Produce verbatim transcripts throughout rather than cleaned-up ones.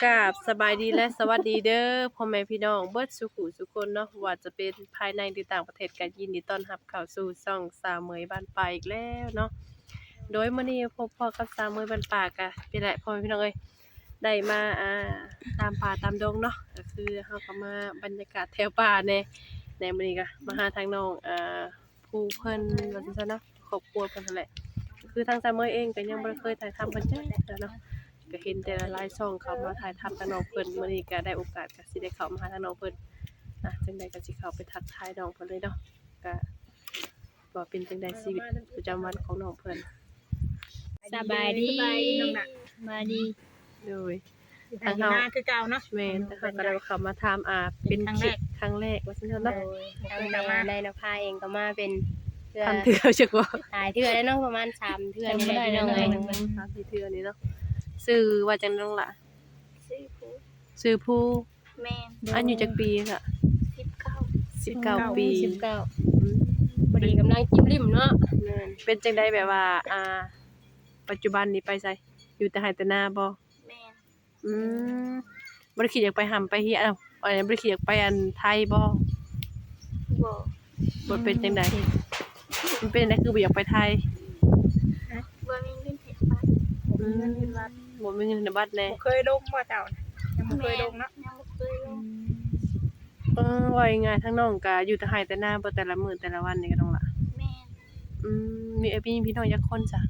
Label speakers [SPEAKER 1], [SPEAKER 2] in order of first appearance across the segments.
[SPEAKER 1] กราบสบายดีและสวัสดีเด้อพ่อแม่พี่น้องเบิดสุขุสุคนเนาะว่าจะเป็นภายในหรือต่างประเทศก็ยินดีต้อนรับเข้าสู่ช่องสาวเหมยบ้านป่าอีกแล้วเนาะโดยมื้อนี้พบพ่อกับสาวเหมยบ้านป่าก็เป็นแหละพ่อแม่พี่น้องเอ้ยได้มาอ่าตามป่าตามดงเนาะก็คือเฮาก็มาบรรยากาศแถวป่าแน่ในมื้อนี้ก็มาหาทางน้องอ่าผู้เพิ่นว่าจังซั่นเนาะครอบครัวเพิ่นนั่นแหละคือทางสาวเหมยเองก็ยังบ่ได้เคยถ่ายทำเพิ่นจักเทื่อเนาะก็เห็นแต่ละไลฟ์ช่องเขามาถ่ายทำกับน้องเพิ่นมื้อนี้ก็ได้โอกาสก็สิได้เข้ามาหาทางน้องเพิ่นอ่ะจังใดก็สิเข้าไปทักทายน้องเพิ่นเลยเนาะก็ว่าเป็นจังใดชีวิตประจำวันของน้องเพิ่น
[SPEAKER 2] สบายดี
[SPEAKER 3] สบายดีน้องน่ะ
[SPEAKER 2] สบายดี
[SPEAKER 1] โดย
[SPEAKER 3] ทางเฮาคือเก่าเนาะ
[SPEAKER 1] แม่นแต่เขาก็ได้เข้ามาถามอ่าเป็นคลิปครั้งแรกว่าซั่นเนาะ
[SPEAKER 2] ทางแม่ได้นภาเองก็มาเป็นเพื่อ
[SPEAKER 1] ทำเทื่อจักว่า
[SPEAKER 2] หลายเทื่อแล้วเนาะประมาณสามเทื่อนี่แหละพี่น้องเอ้ย
[SPEAKER 1] ทำสี่เทื่อนี้เนาะชื่อว่าจังน้องล่ะ
[SPEAKER 3] ซื้อผู้
[SPEAKER 1] ชื่อผู้
[SPEAKER 3] แม่น
[SPEAKER 1] อายุจักปีค่ะ
[SPEAKER 3] สิบเก้า
[SPEAKER 1] สิบเก้าปี
[SPEAKER 2] สิบเก้า
[SPEAKER 1] อืม
[SPEAKER 2] พอดีกำลังจิ้มริมเนาะ
[SPEAKER 1] แม่นเป็นจังใดแบบว่าอ่าปัจจุบันนี้ไปไสอยู่แต่ไร่แต่นาบ่
[SPEAKER 3] แม่น
[SPEAKER 1] อืมบ่ได้คิดอยากไปหำไปเฮียเอ้าอันนี้บ่ได้คิดอยากไปอันไทยบ่
[SPEAKER 3] บ่
[SPEAKER 1] บ่เป็นจังไดมันเป็นจังไดคือบ่อยากไปไทย
[SPEAKER 3] บ่มีเงินเฮ็ดบัตร
[SPEAKER 1] อืมบ่มีเงินในบัตรแน่
[SPEAKER 3] บ่เคยลงบ่เจ้าน่ะยังบ่เคยลงเนาะ
[SPEAKER 4] ยังบ่เคยลง
[SPEAKER 1] เออว่าง่ายๆทั้งน้องก็อยู่แต่ไร่แต่นาบ่แต่ละมื้อแต่ละวันนี่ก็ต้องล่ะ
[SPEAKER 4] แม่น
[SPEAKER 1] อืมมีเอ้ยพี่พี่น้องจักคนจ้ะ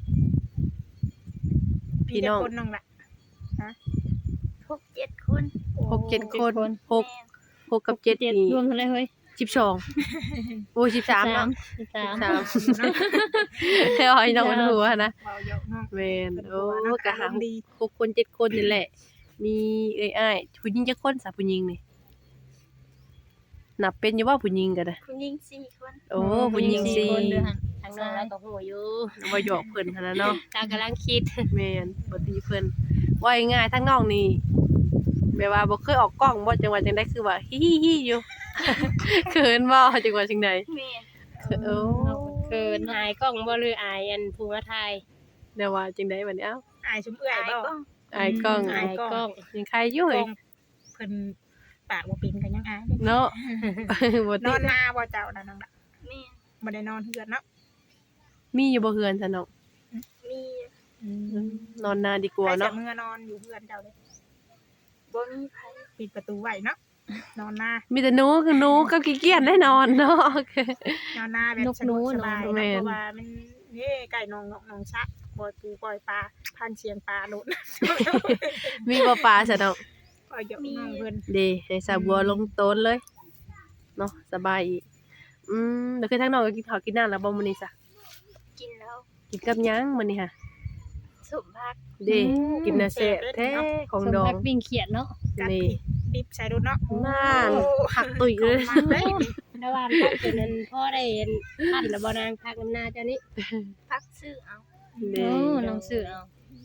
[SPEAKER 1] พี่น้อง
[SPEAKER 3] มีแต่คนน้องล่ะ
[SPEAKER 4] หกเจ็ดคน
[SPEAKER 1] หกเจ็ดคนหก
[SPEAKER 4] แม่น
[SPEAKER 1] หกกับเจ็ด
[SPEAKER 2] เจ็ด
[SPEAKER 1] นี่
[SPEAKER 2] รวมเท่าไหร่เฮ้ย
[SPEAKER 1] สิบสองโอ้ยสิบสามเนาะ
[SPEAKER 2] สิบสาม
[SPEAKER 1] สิบสามให้อ้อยน้องมันหัวนะ
[SPEAKER 3] เว้าเยอะเนาะ
[SPEAKER 1] แม่นโอ้
[SPEAKER 3] เนาะ
[SPEAKER 1] ก็หา
[SPEAKER 3] อารมณ์ดี
[SPEAKER 1] หกคนเจ็ดคนนี่แหละ มีเอ้ยอ้ายผู้หญิงจักคนซะผู้หญิงนี่นับเป็นอยู่ว่าผู้หญิงก็ได้
[SPEAKER 4] ผู้หญิงสี่คน
[SPEAKER 1] โอ้ผู้หญิงสี่
[SPEAKER 2] คนเด้อหั่นทางน้องแล้วก็ฮู้อยู่
[SPEAKER 1] บ่หยอกเพิ่นหั่นน่ะเนาะ
[SPEAKER 2] ตากำลังคิด
[SPEAKER 1] แม่นบ่ตีเพิ่นว่าง่ายๆทั้งน้องนี่แบบว่าบ่เคยออกกล้องบ่จังว่าจังได๋คือว่าฮิๆๆอยู่ เขินบ่จังว่าจังได๋
[SPEAKER 4] แม่น
[SPEAKER 1] โอ้
[SPEAKER 2] เกินอายกล้องบ่หรืออายอันผู้มาถ่าย
[SPEAKER 1] เดี๋ยวว่าจังได๋บัดนี้เอ้า
[SPEAKER 3] อายชุมเอื้อย
[SPEAKER 4] อาย
[SPEAKER 3] บ่
[SPEAKER 4] ก็
[SPEAKER 1] อายกล้อง
[SPEAKER 3] อา
[SPEAKER 2] อาย ย
[SPEAKER 3] กล้อง
[SPEAKER 2] กล้อง
[SPEAKER 1] ยังใครอยู่
[SPEAKER 3] ก
[SPEAKER 1] เฮ้
[SPEAKER 3] ล้
[SPEAKER 1] ย
[SPEAKER 3] องเพิ่นปากบ่เป็นก็ยังอายเด้
[SPEAKER 1] เนาะ บ่
[SPEAKER 3] น
[SPEAKER 1] ติ
[SPEAKER 3] อนนาบ่เจ้าน่ะน้องล่ะ
[SPEAKER 4] แม่น
[SPEAKER 3] บ่ได้นอนเฮือนเนาะ
[SPEAKER 1] มีอยู่บ่เฮือนซะเนาะ
[SPEAKER 4] มี
[SPEAKER 1] นอนนาดีกว่า
[SPEAKER 3] ใครจะ
[SPEAKER 1] เนาะ
[SPEAKER 3] เมื่อนอนอยู่เฮือนเจ้าเลย
[SPEAKER 4] บ่มีไผ
[SPEAKER 3] ปิดประตูไว้เนาะนอนนา
[SPEAKER 1] มีแต่หนูคือหนูกับขี้เกียจแน่นอนเนาะโอเคน
[SPEAKER 3] อนนาแบบสะดวกสบาย
[SPEAKER 1] แม่
[SPEAKER 3] นะ
[SPEAKER 1] น
[SPEAKER 3] เพราะว่ามันเฮ้ไก่นองนองนองชักปล่อยปูปล่อยปลาพันเชียงปลาโลด
[SPEAKER 1] มีบ่ปลาซะเนาะ
[SPEAKER 3] ปล่อยเยอะน้องเพิ่น
[SPEAKER 1] ดีให้สาวบัวลงโตนเลยเนาะสบายอีกอืมแล้วคือทั้งน้องก็กินข้าวกินน้ำแล้วบ่มื้อนี้ซะ
[SPEAKER 4] กินแล้ว
[SPEAKER 1] กินกับหยังมื้อนี้ฮะ
[SPEAKER 4] สุภาพ
[SPEAKER 1] เด้กินน่ะแซ่บแท้ของ
[SPEAKER 2] สม
[SPEAKER 1] ดอ
[SPEAKER 2] พั
[SPEAKER 1] ง
[SPEAKER 2] กปิ้งเขียดเนาะ
[SPEAKER 3] กัด
[SPEAKER 1] นี่
[SPEAKER 3] พริกดิบใส่รถเนาะ
[SPEAKER 1] น่านผักตุ๋ยเลย
[SPEAKER 3] มันเลย
[SPEAKER 2] ระหว่างพักเป็นนั้นพ่อได้เห็นพันแล้วบ่นางพักน้ำหน้าเจ้านี้
[SPEAKER 4] พักซื้อเอา
[SPEAKER 1] เด้
[SPEAKER 2] โอ้น้องซื้อเอา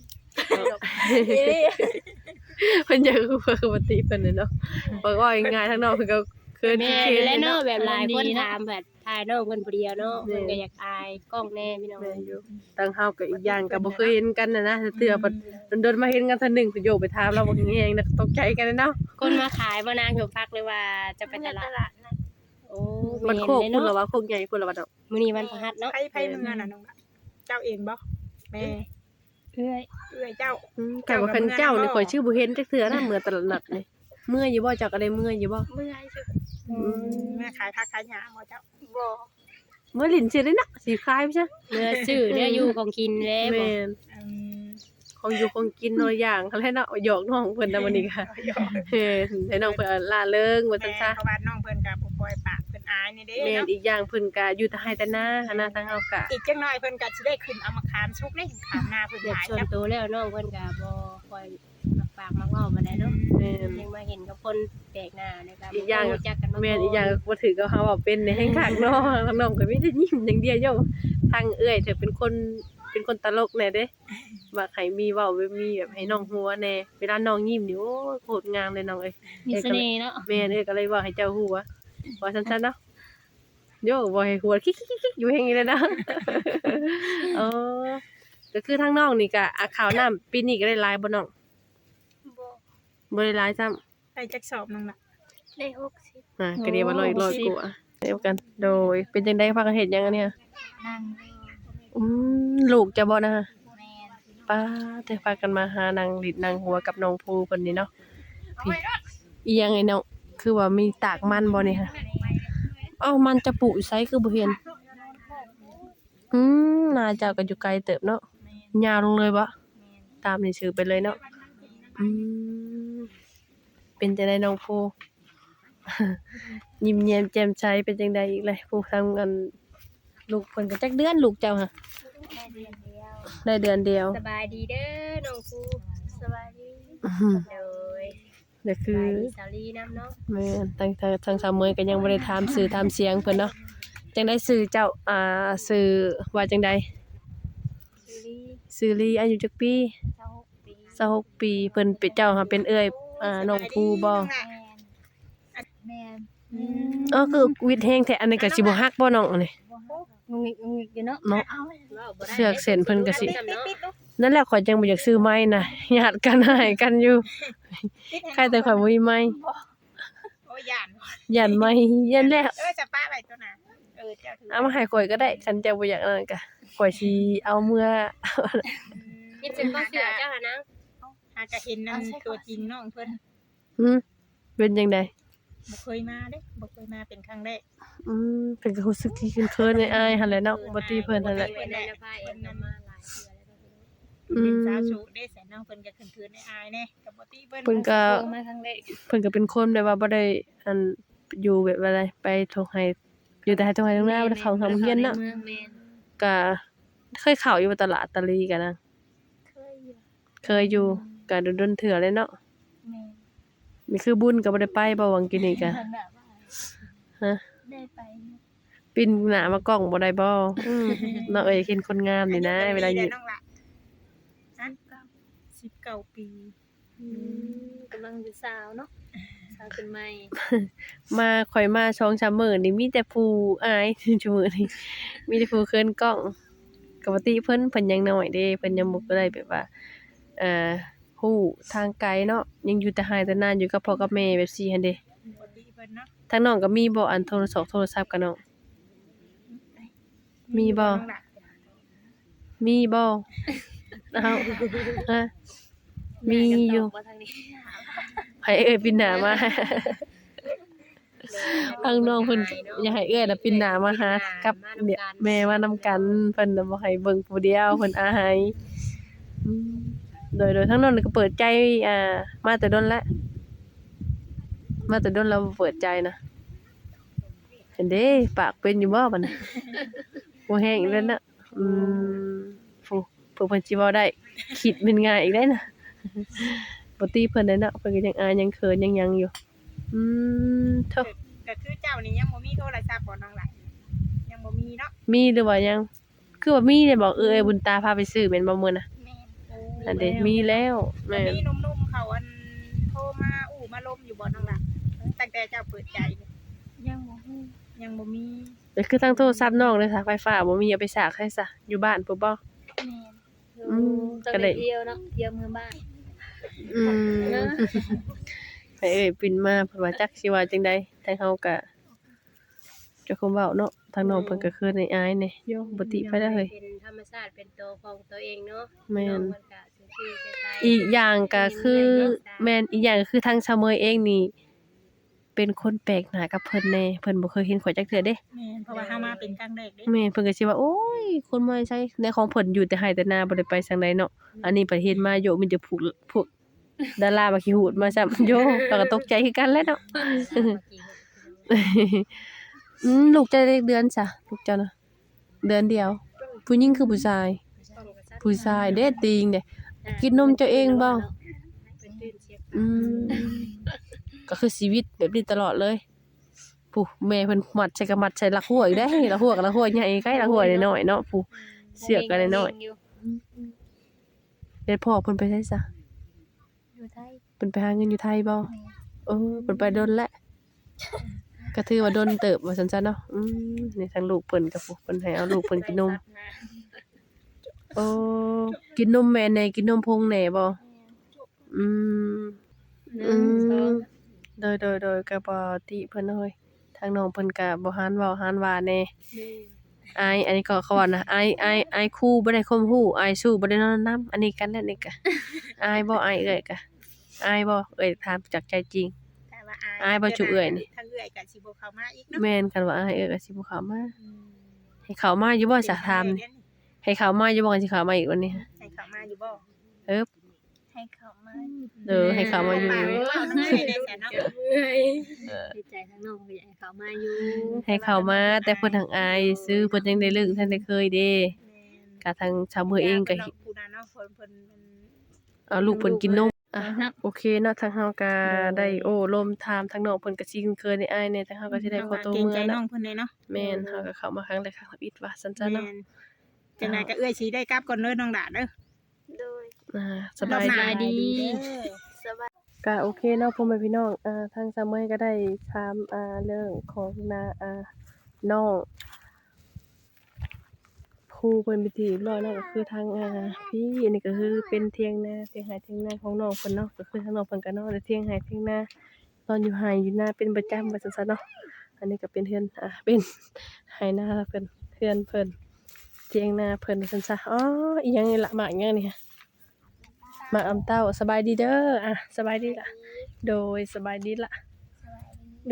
[SPEAKER 1] เพิ่นอยากรู้ว่าคือปกติเพิ่นน่ะเนาะบอกว่าง่ายๆทั้งน้องเพิ่นก็เคิน
[SPEAKER 2] แม่
[SPEAKER 1] ขี้
[SPEAKER 2] และ
[SPEAKER 1] ๆ
[SPEAKER 2] เนาะ
[SPEAKER 1] เนาะ
[SPEAKER 2] แบบหลายคนถามแบบถ่ายน้องเพิ่นผู้เดียวเนาะเพิ่นก็อยากอายกล้องแน่พี่น้อง
[SPEAKER 1] แม่นอยู่ตั้งเฮาก็อีกอย่างก็บ่เคยเห็นกันน่ะนะเทื่อบัดโดนๆมาเห็นกันเทื่อหนึงก็โยกไปถามเราบ่แฮงๆนะตกใจกันเนาะ
[SPEAKER 2] คนมาขายบ่นางถูกพักเลยว่าจะไป
[SPEAKER 4] ไป
[SPEAKER 2] ต
[SPEAKER 4] ต
[SPEAKER 2] ลาด
[SPEAKER 4] ลาดนะ
[SPEAKER 2] โอ้
[SPEAKER 1] มันโคก
[SPEAKER 2] แม่
[SPEAKER 1] พุ่น
[SPEAKER 2] เนาะ
[SPEAKER 1] ละว่าโคกใหญ่พุ่นละว่าเนาะ
[SPEAKER 2] มื้อนี้วันพฤหัสเนาะ
[SPEAKER 3] ไผไผเมืองน่ะน้องล่ะเจ้าเองบ่แม่
[SPEAKER 2] เอ้ย
[SPEAKER 3] เอื้อยเจ้า
[SPEAKER 1] อืมแต่ว่าคันเจ้านี่ข่อยชื่อบ่เห็นจักเทื่อนะเมื่อตลาดนัดนี่เมื่อยอยู่บ่เจ้าก็ได้เมื่อยอยู่บ่
[SPEAKER 4] เมื่อยสุด
[SPEAKER 1] อืม
[SPEAKER 3] แม่ขายผักขายหญ้าบ่เจ้า
[SPEAKER 4] บ่
[SPEAKER 1] เมื่อลิ้นสิได้เนาะสิคายไปซะ
[SPEAKER 2] เนื้อซื้อเนื้ออยู่ของกินแล้ว
[SPEAKER 1] แม่น
[SPEAKER 3] อืม
[SPEAKER 1] ของอยู่ของกินน้อยอย่างคั่นแหละเนาะหยอกน้องเพิ่นน่ะมื้อนี้ก็
[SPEAKER 3] หยอก
[SPEAKER 1] เฮ้ให้น้องเพิ่นล่าเริงว่า
[SPEAKER 3] แม่
[SPEAKER 1] ซั่นซะ
[SPEAKER 3] เพราะว่าน้องเพิ่นก็บ่ปล่อยปากเพิ่นอายนี่เด้
[SPEAKER 1] แม่น
[SPEAKER 3] เนาะ
[SPEAKER 1] อีกอย่างเพิ่นก็อยู่แต่ให้แต่หน้าหันหน้าทางเฮาก็
[SPEAKER 3] อีกจังหน่อยเพิ่นก็สิได้ขึ้นเอามาขามชุกเด้ขามหน้าเพิ่น
[SPEAKER 2] เด็ก
[SPEAKER 3] หลาย
[SPEAKER 2] ส่วน
[SPEAKER 3] จ้ะ
[SPEAKER 2] ตัวแล้วน้องเพิ่นก็บ่ค่อยมักปากมักเว้าปานใดเนาะ
[SPEAKER 1] แม่น
[SPEAKER 2] ยังมาเห็นกับคนแปลกหน้านะครับ
[SPEAKER 1] อีกอย่าง
[SPEAKER 2] รู้จักกันมา
[SPEAKER 1] แม่น
[SPEAKER 2] ก่น
[SPEAKER 1] อีกอย่างก็บ่ถือกับเฮาว่าเป็นในแห่งคักเนาะทางน้องก็มีแต่ยิ้มอย่างเดียวโยทางเอื้อยเธอเป็นคนเป็นคนตลกแน่เด้ว่าให้มีเว้ามีแบบให้น้องหัวแน่เวลาน้องยิ้มนี่โอ้ยโคตรงามเลยน้องเอ้ย
[SPEAKER 2] มีเสน่ห์เนาะ
[SPEAKER 1] แม่นเอ้ยก็เลยว่าให้เจ้าหัวว่าซั่นๆเนาะโยบ่ให้หัวคิกๆๆอยู่แห่งนี้เลยนะ เออก็คือทางน้องนี่ก็อาข้าวน้ำปีนี้ก็ได้หลายบ่น้อง
[SPEAKER 4] บ่
[SPEAKER 1] อบ่ได้หลายซ้ำ
[SPEAKER 3] ได้จักสอบน้องล่ะ
[SPEAKER 4] ได้หกสิบ
[SPEAKER 1] อ่าก็เรียกว่าร้อยร้อยกว่าเดียวกัน โดยเป็นจังได๋พากันเฮ็ดหยังอันเนี่ย
[SPEAKER 4] นั่ง
[SPEAKER 1] อืมลูกจะบ่นะ
[SPEAKER 4] แม่น
[SPEAKER 1] ป้าแต่พากันมาหานางลิดนางหัวกับน้องภูเพิ่นนี่เนาะพี่อีหยังไอ้น้องคือว่ามีตากมันบ่นี่ฮะเอ้ามันจะปลูกอยู่ไสคือบ่เห็นอืมน่าเจ้าก็อยู่ไกลเติบเนาะยาวลงเลยบ่ตามนี่ชื่อไปเลยเนาะอืมเป็นจังได๋น้องภู ยิ้มแย้มแจ่มใสเป็นจังได๋อีกเลยผู้ทำกันลูกเพิ่นก็จักเดือนลูกเจ้าฮะ
[SPEAKER 4] ได้เดือนเดียว
[SPEAKER 1] ได้เดือนเดียว
[SPEAKER 2] สบายดีเด้อน้องฟู
[SPEAKER 4] สบายดี
[SPEAKER 1] อื้อหือ
[SPEAKER 2] โดย
[SPEAKER 1] เดี๋ยว
[SPEAKER 2] ส
[SPEAKER 1] คือบ
[SPEAKER 2] ายดีสาลีน้ำเนาะ
[SPEAKER 1] แม่นตั้งแต่ทางสาวเมยก็ยังบ่ได้ถามชื่อถามเสียงเพิ่นเนาะจังได๋ชื่อเจ้าอ่าชื่อว่าจังได๋
[SPEAKER 4] ซีรีส์
[SPEAKER 1] ชื่อลีอายุจักปี
[SPEAKER 4] เจ้าหกปี
[SPEAKER 1] ยี่สิบหกปีเพิ่นเป็นเจ้าหาเป็นเอื้อยอ่าน้องภูบ่
[SPEAKER 4] แมนแมน
[SPEAKER 1] เออคือวิทย์แฮงแท้อันนี้ก็สิบ่ฮักบ่น้องอันนี้
[SPEAKER 2] งงงิกงงงิกอยู่เนาะ
[SPEAKER 1] เนาะ
[SPEAKER 4] เอาเลย
[SPEAKER 2] ว้าวบ่ได้
[SPEAKER 1] เสือกเส้นเพิ่นก็สิ
[SPEAKER 2] เนาะ
[SPEAKER 1] นั่นแหละข่อยจังบ่อยากซื้อไม้น่ะญาติกันให้กันอยู่ใครแต่ข่อยบ่มีไม้
[SPEAKER 3] โอ้ยย่าน
[SPEAKER 1] ย่านไม้ยันแล้ว
[SPEAKER 3] เออจะป้าไว้ตัวน่ะเออเจ้าถือ
[SPEAKER 1] เอามาให้ข่อยก็ได้คันเจ้าบ่อยากนั่นก็ข่อยสิเอาเมื่อ
[SPEAKER 2] ยิบเป็นก็เสือเจ้าค่ะนาง
[SPEAKER 3] หากะเห็นนั่นตัวจริงน้องเพิ่น
[SPEAKER 1] หึเป็นจังได๋
[SPEAKER 3] บ่เคยมาเด้บ่เคยมาเป็นครั้งแรก
[SPEAKER 1] อืมเพิ่นก็รู้สึกที่เคินๆอายๆหั่นแหละเนาะบ่ตีเพิ่นหั่นแหละ
[SPEAKER 2] เพิ่นได้ละพาเอ็นนำมาหลายเทื่อแล้ว
[SPEAKER 1] อืม
[SPEAKER 3] เป็นสาวสูได้แสนน้องเพิ่นก็คืนๆในอายแน่ก็บ่ตีเพิ่น
[SPEAKER 1] เพิ่นก็
[SPEAKER 2] เพิ่นมาครั้งแรก
[SPEAKER 1] เพิ่นก็เป็นคนแบบว่าบ่ได้อันอยู่แบบว่าอะไรไปทงให้อยู่แต่ให้ทงให้ตรงหน้าบ่ได้เข้าทำเฮียนเนาะ
[SPEAKER 2] เมืองแม่น
[SPEAKER 1] ก็เคยเข้าอยู่ตลาดตะลีกันนะ
[SPEAKER 4] เคยอยู่
[SPEAKER 1] เคยอยู่ก็โดนๆเถื่อเลยเนาะ
[SPEAKER 4] แมน
[SPEAKER 1] นี่คือบุญก็บ่ได้ไปบ่หวังกินนี่ก็
[SPEAKER 4] ทางแบบว่า
[SPEAKER 1] ฮะ
[SPEAKER 4] ได้ไปนะ
[SPEAKER 1] ปินหน้ามากล้องบ่ได้บ่อืมเนาะเอ้ยเห็นคนงามนี่นะเวลาอยู่
[SPEAKER 3] น้องละนั่นก็สิบเก้าปี
[SPEAKER 2] กำลังเป็นสาวเนาะสาวขึ้นใหม่
[SPEAKER 1] มาข่อยมาสองสามมื้อนี่มีแต่ผู้อาย ชั่วมื้อนี้มีแต่ผู้เคินกล้องปกติเพิ่นเพิ่นยังน้อยเด้เพิ่นยังบ่ได้แบบว่าเอ่อฮู้ทางไกลเนาะยังอยู่แต่ไร่แต่นาอยู่กับพ่อกับแม่แบบซี่หั่นเด้
[SPEAKER 3] บ่ตีเพิ่นเนาะ
[SPEAKER 1] ทางน้องก็มีบ่อันโทรศัพท์โทรศัพท์กับน้อง มีบ่
[SPEAKER 3] น้องละ
[SPEAKER 1] มีบ่อ้าวฮะมีอยู่
[SPEAKER 2] บ่ทางนี้
[SPEAKER 1] ให้เอ้ยปินหน้ามา ทางน้องเพิ่นอยากให้เอ้ยน่ะปินหน้ามาหากับเดี๋ยวแม่มานำกันเพิ่นน่ะบ่ให้เบิ่งผู้เดียวเพิ่นอายอืมโดยโดยทางน้องนี่ก็เปิดใจอ่ามาแต่ดนแล้วมาแต่ดนแล้วเปิดใจนะเห็นเด้ปากเป็นอยู่บ่บัดนี้บ่แห้งอีกแล้วนะอืมผู้เพิ่นเพิ่นสิเว้าได้คิดเป็นง่ายอีกได้นะบ่ตีเพิ่นได้เนาะเพิ่นก็ยังอายยังเขินยังหยังอยู่อืมเท่า
[SPEAKER 3] ก็คือเจ้านี่ยังบ่มีโทรศัพท์บ่น้องละยังบ่มีเนาะ
[SPEAKER 1] มีหรือว่ายัง คือว่ามีเนี่ยบอกเออไอ้บุญตาพาไปซื้อแม่นบ่มื้อน่ะ
[SPEAKER 3] แม่น
[SPEAKER 1] อันเด้มีแล้วแม่น
[SPEAKER 3] มีหนุ่มๆเขาอันโทรมาอู้มาลมอยู่บ่น้องละตั้งแต่เจ้าเปิดใจนี่
[SPEAKER 4] ยังบ่ฮู้
[SPEAKER 3] ยังบ่มี
[SPEAKER 1] แต่คือทั้งโทรศัพท์น้องเลยสายไฟฟ้าบ่มีเอาไปสากให้ซะอยู่บ้านปุ๊บบ่
[SPEAKER 4] แมน
[SPEAKER 1] อืม
[SPEAKER 2] ต้อง
[SPEAKER 1] ก็ได้
[SPEAKER 2] ได้เที่ยวเนาะเที่ยวเมืองบ้าน
[SPEAKER 1] อืมให้เอ้ยปินมาเพิ่นว่าจักสิว่าจังใดทางเฮาก็จะคงเว้าเนาะทางน้องเพิ่นก็คือในอายแหน่โยบ่ติไปแล้วเฮ้ย
[SPEAKER 2] เป็นธรรมชาติเป็นตัวของตัวเองเนาะ
[SPEAKER 1] แม่น
[SPEAKER 2] องมันก็ซื่อๆใจๆ
[SPEAKER 1] อีกอย่างก็คือแม่นอีกอย่างก็คือทางชาวเมยเองนี่ เป็นคนแปลกหน้ากับเพิ่นแน่เพิ่นบ่เคยเห็นข่อยจักเทื่อเด้
[SPEAKER 3] แม่นเพราะว่าเฮามาเป็นครั้งแรกเด้
[SPEAKER 1] แม่นเพิ่นก็สิว่าโอ้ยคนมาใช้ในของเพิ่นอยู่แต่ไร่แต่นาบ่ได้ไปทางใดเนาะอันนี้ประเทศมาโยมีแต่พวกพวกดารามาขี้หูดมาซ้ำ โยเราก็ตกใจคือกันแหล้วเนาะ อืมลูกจะได้เดือนจ้ะลูกเจ้านะเดือนเดียว ผู้หญิงคือผู้ชาย ผู้ชายเด้ติงเด้กินนมเจ้าเองบ่อืมก็คือชีวิตแบบนี้ตลอดเลยผู้แม่เพิ่นมัดใส่กะมัดใส่ลักหัวอีกได้ลักหัวกับลักหัวใหญ่ใกล้ลักหัวน้อยๆเนาะผู้เสือกกันน้อยๆเฮ็ดพ่อเพิ่นไปไสซะ
[SPEAKER 4] อยู่ไทย
[SPEAKER 1] เพิ่นไปหาเงินอยู่ไทยบ่
[SPEAKER 4] แมน
[SPEAKER 1] เออเพิ่นไปดนแล้วก็ถือว่าดนเติบว่าซั่นซะเนาะอืมนี่ทางลูกเพิ่นก็ผู้เพิ่นให้เอาลูกเพิ่นกินนมโอ้กินนมแม่แหน่กินนมพงแหน่บ่อืม
[SPEAKER 2] หนึ่งสอง
[SPEAKER 1] โดยโดยโดยก็บ่ติเพิ่นเอ้ยทางน้องเพิ่นก็บ่หานเว้าหานว่าแน่อายอันนี้ก็เขาว่านะอายอายอายครูบ่ได้ข่มหูอายสู้บ่ได้นอนนำอันนี้กันแล้วนี่ก็อายบ่อายเอ้ยก็อายบ่เอ้ยถามจากใจจริง
[SPEAKER 3] แต่ว่าอาย
[SPEAKER 1] อายบ่จุเอื้อยนี่
[SPEAKER 3] ทางเอื้อยก็สิบ่เข้ามาอีกเนาะ
[SPEAKER 1] แม่นกันว่าอายเอ้ยก็สิบ่เข้ามา
[SPEAKER 3] อืม
[SPEAKER 1] ให้เข้ามาอยู่บ่ซะถามนี่ให้เข้ามาอยู่บ่กันสิเข้ามาอีกวันนี้
[SPEAKER 3] ให้เข้ามาอยู่บ่
[SPEAKER 1] เอิบ
[SPEAKER 4] ให้เขามา
[SPEAKER 1] เออให้เข้ามาอยู่
[SPEAKER 3] ปากเว้าน้ำเอื้อยได้ซะเนาะ
[SPEAKER 2] เมื่อย
[SPEAKER 1] เออ
[SPEAKER 2] ดีใจทั้งน้องก็อยากให้เขามาอยู่
[SPEAKER 1] ให้เข้ามาแต่เพิ่นทางอายซื้อเพิ่นยังได้ลึกท่านได้เคยเด้
[SPEAKER 3] แม่น
[SPEAKER 1] ก็ทางชาวเมืองเองก็
[SPEAKER 3] ผู้นั้นเนาะเพิ่นเพิ่นมัน
[SPEAKER 1] เอาลูกเพิ่นกินนมอ่ะโอเคเนาะทางเฮาก็ได้โอ้ลมถามทางน้องเพิ่นก็สิคุ้นเคยในอ้ายแหน่ทางเฮาก็สิได้ขอตัว
[SPEAKER 3] เกรง
[SPEAKER 1] เมื่
[SPEAKER 3] ใจ
[SPEAKER 1] อ
[SPEAKER 3] น้อ
[SPEAKER 1] เนาะ
[SPEAKER 3] งเพิ่นเลยเนาะ
[SPEAKER 1] แม่นเฮาก็เข้ามาครั้งแรกครั้งอีกว่าซั่นๆ
[SPEAKER 3] แม่
[SPEAKER 1] เนาะ
[SPEAKER 3] นจังไดก็เอื้อยสิได้กลับก่อนเด้อน้องดาเด้อ
[SPEAKER 4] โดย
[SPEAKER 1] อ่าส
[SPEAKER 3] รอ
[SPEAKER 1] บบาย
[SPEAKER 3] หน้
[SPEAKER 1] ดี
[SPEAKER 2] ดี
[SPEAKER 3] เด้อ
[SPEAKER 4] สบาย
[SPEAKER 1] ก็โอเคเนาะพ่อแม่พี่น้องอ่าทางซาเมยก็ได้ถามอ่าเรื่องของนาอ่าน้องครูเพิ่นไปนที่เรียบร้อยเนาะก็คือทางอ่าพี่อันนี้ก็คือเป็นเถียงนาเถียงไร่เถียงนาของน้องเพิ่นเนาะก็คือทางน้องเพิ่นก็นอนในเถียงไร่เถียงนานอนอยู่ไร่อยู่นาเป็นประจำว่าซั่นซะเนาะอันนี้ก็เป็นเฮือนอ่าเป็นไร่นาเพิ่นเฮือนเพิ่นเถียงนาเพิ่นว่าซั่นซะอ๋ออีหยังนี่ล่ะหมากอิหยังนี่หมากอำเต้าสบายดีเด้ออ่ะสบายดีล่ะ โดยสบายดีล่ะ
[SPEAKER 4] สบายดี
[SPEAKER 1] ดู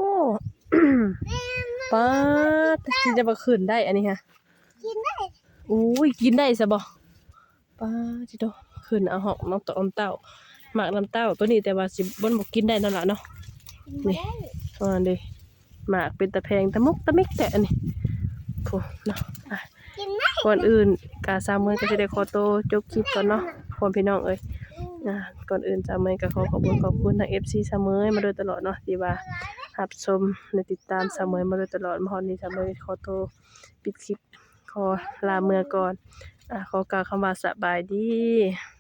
[SPEAKER 1] ป้าดที่จะมาขึ้นได้อันนี้ฮะกินได้อุ้ยกินได้ซะบ่ป้าดจิโตขึ้นเอาหอกน้องตอมเต้าหมากน้ำเต้าตัวนี้แต่ว่าสิบ่บ่กินได้นั่นล่ะเนาะนี่อ่าเด้หมากเป็นตะแพงตะมุกตะมิกแต่อันนี้โพเนาะอ่ะก่อนอื่นกาซาเมยก็สิได้ขอตัวจบคลิปก่อนเนาะพ่อพี่น้องเอ้ย อ่าก่อนอื่นซาเมยก็ขอขอบคุณขอบคุณทาง เอฟ ซี ซาเมยมาโดยตลอดเนาะที่ว่ารับชมและติดตามซาเมยมาโดยตลอดมาฮอดนี้ซาเมยขอตัวปิดคลิปขอลาเมื่อก่อนอ่าขอกล่าวคำว่าสบายดี